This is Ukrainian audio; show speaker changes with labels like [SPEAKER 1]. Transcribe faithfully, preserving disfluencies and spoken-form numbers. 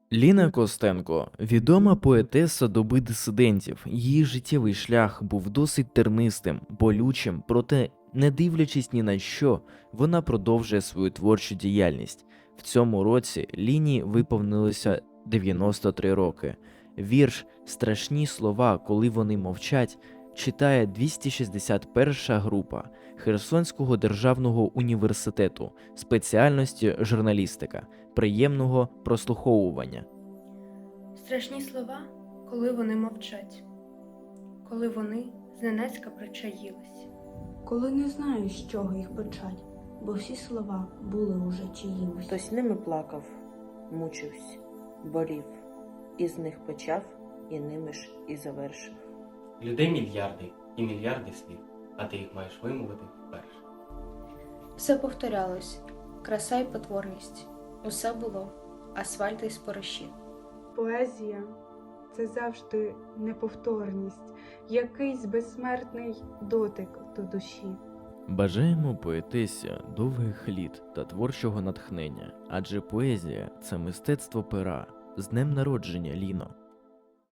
[SPEAKER 1] Ліна Костенко – відома поетеса доби дисидентів. Її життєвий шлях був досить тернистим, болючим, проте, не дивлячись ні на що, вона продовжує свою творчу діяльність. В цьому році Ліні виповнилося дев'яносто три роки. Вірш «Страшні слова, коли вони мовчать» читає двісті шістдесят перша група Херсонського державного університету спеціальності журналістика. Приємного прослуховування.
[SPEAKER 2] Страшні слова, коли вони мовчать, коли вони зненацька причаїлись.
[SPEAKER 3] Коли не знаю, з чого їх почать, бо всі слова були уже чиїмось.
[SPEAKER 4] Хтось ними плакав, мучився, болів, із них почав, і ними ж і завершив.
[SPEAKER 5] Людей мільярди і мільярди слів, а ти їх маєш вимовити вперше.
[SPEAKER 2] Все повторялось, краса й потворність. Усе було асфальт із спориші.
[SPEAKER 6] Поезія – це завжди неповторність, якийсь безсмертний дотик до душі.
[SPEAKER 1] Бажаємо поетесі довгих літ та творчого натхнення, адже поезія – це мистецтво пера. З днем народження, Ліно!